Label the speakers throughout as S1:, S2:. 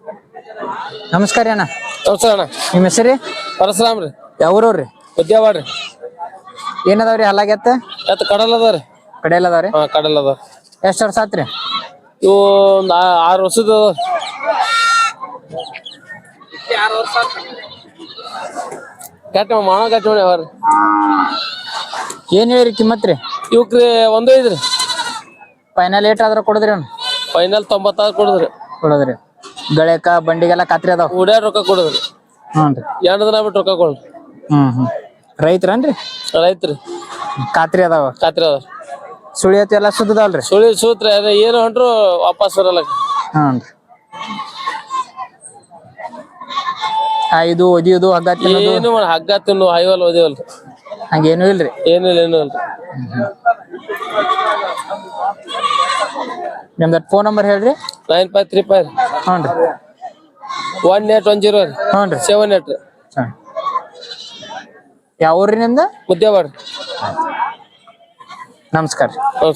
S1: ನಮಸ್ಕಾರ ಅಣ್ಣ.
S2: ನಮಸ್ಕಾರ ಅಣ್ಣ.
S1: ನಿಮ್ಮ ಹೆಸರು
S2: ಪರಶುರಾಮ್ ರೀ.
S1: ಯಾವ್ರವ್ರಿ?
S2: ಉದ್ಯಾವಾಡ್ರಿ.
S1: ಏನದಾವ್ರಿ ಹಲ್ಲಾಗೆತ್ತ?
S2: ಎತ್ತ ಕಡಲ್ ಅದಾವ್ರಿ.
S1: ಕಡೆಯಲ್ಲ ಅದಾವ್ರಿ?
S2: ಹಾ ಕಡಲ್ ಅದಾವ.
S1: ಎಷ್ಟು ವರ್ಷ ಆತ್ರಿ?
S2: ಇವು 6 ವರ್ಷದ ಕೆಟ್ಟ ಮಾಣ ಕಟ್ಟಿ ಅವ್ರಿ.
S1: ಏನ್ ಹೇಳಿರಿ ಕಿಮ್ಮತ್ ರೀ?
S2: ಇವಕ್ರಿ 1.5 ರೀ.
S1: ಫೈನಲ್ ಏಟ್ ಆದ್ರ ಕೊಡದ್ರಿ ಅವ್ನು?
S2: ಫೈನಲ್ 90 ಕೊಡುದ್ರಿ.
S1: ಕೊಡದ್ರಿ. ಗಳಕ ಬಂಡಿಗೆಲ್ಲ ಖಾತ್ರಿ ಅದಾವ?
S2: ಉಡ್ಯಾರ ರೊಕ್ಕ ಕೊಡುದ್ರಿ.
S1: ಹ್ಞೂ ರೀ.
S2: 2 ದಿನ ಬಿಟ್ಟು ರೊಕ್ಕ ಕೊಡ್ರಿ.
S1: ರೈತರನ್ರಿ?
S2: ರೈತ್ರಿ.
S1: ಖಾತ್ರಿ ಅದಾವ?
S2: ಖಾತ್ರಿ ಅದಾವ.
S1: ಸುಳಿ ಐತಿ ಎಲ್ಲ ಸುದ್ದದಲ್ರಿ?
S2: ಸುಳಿ ಸೂತ್ರಿ ಅದ ಏನು ಹೊಂಟ್ರು ವಾಪಸ್ ಬರಲ್ಲ.
S1: ಹ್ಞೂ ರೀ. ಇದು ಒದಿಯೋದು ಹಗ್ಗ ತಿನ್ನೋದು
S2: ಏನು ಹಗ್ಗ ತಿನ್ನು ಹೈವಲ್ ಓದಿವಲ್ರಿ.
S1: ಹಂಗೇನು ಇಲ್ರಿ?
S2: ಏನು ಇಲ್ರಿ.
S1: ನಿಮ್ದು ಫೋನ್ ನಂಬರ್ ಹೇಳ್ರಿ.
S2: 9535
S1: ಹ್ಞೂ ರೀ
S2: 1810 ರೀ.
S1: ಹ್ಞೂ ರೀ
S2: 78 ರೀ.
S1: ಯಾವ ಊರ್ರಿ ನಿಮ್ದು?
S2: ಮುದ್ದೇವಾಡ.
S1: ನಮಸ್ಕಾರ.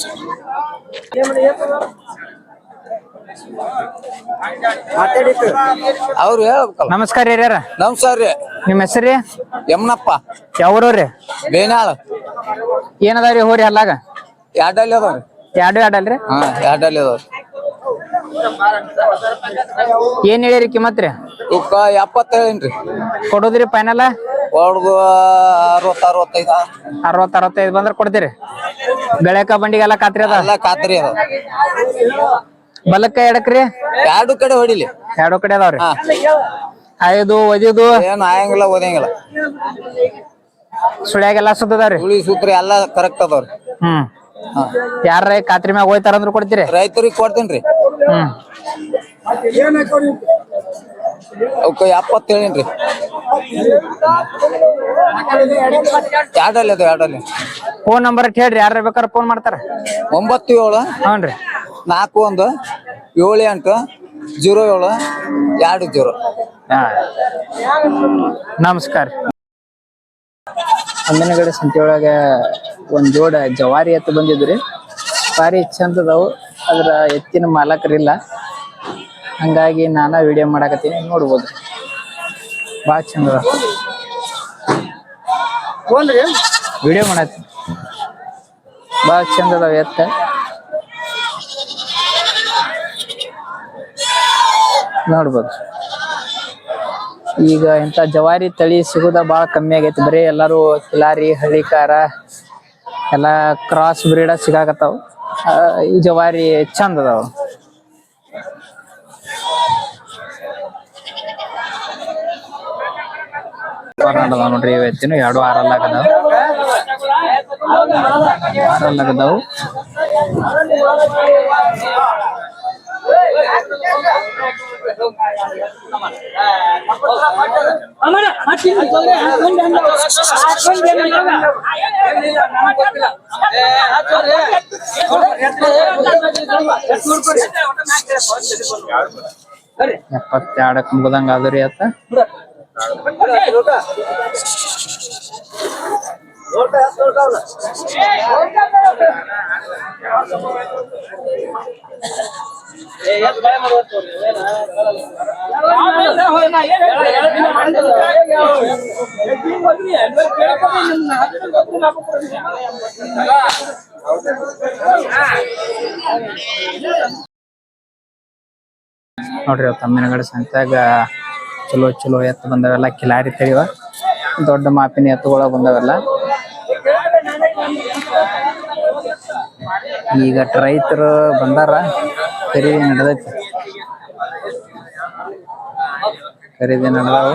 S2: ಅವ್ರು ಹೇಳ್ಬೇಕಲ್ಲ.
S1: ನಮಸ್ಕಾರ ಹಿರಿಯರ.
S2: ನಮಸ್ಕಾರ ರೀ.
S1: ನಿಮ್ಮ ಹೆಸರು?
S2: ಯಮನಪ್ಪ.
S1: ಯಾವ್ರವ್ರಿ?
S2: ಬೇನಾಳ.
S1: ಏನದಾವ್ರಿ ಹೋರಿ ಹಲ್ಲಾಗ?
S2: ಎರಡಲ್ಲಿ ಅದಾವ್ರಿ.
S1: ಎರಡು ಅಲ್ರಿ?
S2: ಹಾ ಎರಡಲ್ಲಿ ಅದಾವ್ರಿ.
S1: ಏನ್ ಹೇಳಿರಿ ಕಿಮ್ಮತ್ ರೀ?
S2: 70 ಹೇಳಿನ್ರಿ.
S1: ಕೊಡೋದ್ರಿ ಫೈನಲ್?
S2: ಹೊಡ್ದು 60 65
S1: ಬಂದ್ರ ಕೊಡ್ತೀರಿ? ಗಳಕ ಬಂಡಿಗೆಲ್ಲ ಖಾತ್ರಿ ಅದ?
S2: ಎಲ್ಲ ಖಾತ್ರಿ ಅದ.
S1: ಬಲಕ್ಕ ಎಡಕ್ರಿ?
S2: ಎರಡು ಕಡೆ ಹೊಡಿಲಿ.
S1: ಎರಡು ಕಡೆ ಅದಾವ್ರಿ. ಐದು ಒದಿದು
S2: ಏನು ಆಯಂಗಿಲ್ಲ ಓದಂಗಿಲ್ಲ.
S1: ಸುಳ್ಯಾಗೆಲ್ಲ ಸುತ್ತದಾವ್ರಿ?
S2: ಸುಳಿ ಸೂತ್ರಿ ಎಲ್ಲ ಕರೆಕ್ಟ್ ಅದಾವ್ರಿ.
S1: ಯಾರ ಖಾತ್ರಿ ಮ್ಯಾಗ ಹೋಯ್ತಾರ ಅಂದ್ರ ಕೊಡ್ತೀರಿ?
S2: ರೈತರಿಗೆ ಕೊಡ್ತೇನ್ರಿ. ಅವಕ್ಕ 70 ಹೇಳಿನ್ರಿ. ಎರಡಲ್ಲಿ.
S1: ಫೋನ್ ನಂಬರ್ ಹೇಳ್ರಿ, ಯಾರ ಬೇಕಾದ್ರ ಫೋನ್ ಮಾಡ್ತಾರ.
S2: 97
S1: ಹ್ಞೂ ರೀ
S2: 41 78 07 20.
S1: ನಮಸ್ಕಾರ. ಅಂದನಗಡೆ ಸಂತೆ ಒಳಗ ಒಂದ್ ಜೋಡ ಜವಾರಿ ಎತ್ತು ಬಂದಿದ್ರಿ. ಭಾರಿ ಚಂದ ಅದಾವು. ಅದ್ರ ಎತ್ತಿನ ಮಾಲಕರಿಲ್ಲ, ಹಂಗಾಗಿ ನಾನ ವಿಡಿಯೋ ಮಾಡಾಕತ್ತೀನಿ. ನೋಡ್ಬೋದು ಭಾಳ ಚಂದ ಅದ. ವಿಡಿಯೋ ಮಾಡತ್ತೀನಿ. ಭಾಳ ಚಂದ ಅದಾವ ಎತ್ತ. ನೋಡ್ಬೋದು. ಈಗ ಇಂಥ ಜವಾರಿ ತಳಿ ಸಿಗೋದ ಭಾಳ ಕಮ್ಮಿ ಆಗೈತಿ. ಬರೀ ಎಲ್ಲಾರು ಕಿಲಾರಿ ಹಳ್ಳಿಕಾರ ಎಲ್ಲ ಕ್ರಾಸ್ ಬ್ರೀಡ ಸಿಗಾಕತ್ತಾವ. ಈ ಜವಾರಿ ಚಂದ ಅದಾವ. ನೋಡ್ರಿ ಇವತ್ತಿನ 2 ಆರಲ್ಲಾಗದಾವ. ಎಪ್ಪತ್ತೆರಡಕ್ಕೆ ಮುಗ್ದಂಗ ಆದ್ರಿ ಅತ್ತ. ನೋಡ್ರಿ ತಮ್ಮಿನಗಡೆ ಸಂತ್ಯಾಗ ಚಲೋ ಎತ್ತು ಬಂದವೆಲ್ಲ. ಕಿಲಾರಿ ತಳಿವ ದೊಡ್ಡ ಮಾಪಿನ ಎತ್ತುಗಳ ಬಂದವೆಲ್ಲ. ಈಗ ರೈತರು ಬಂದಾರ, ಖರೀದಿ ನಡೆದೈತಿ. ಖರೀದಿ ನಡೆದಾವ.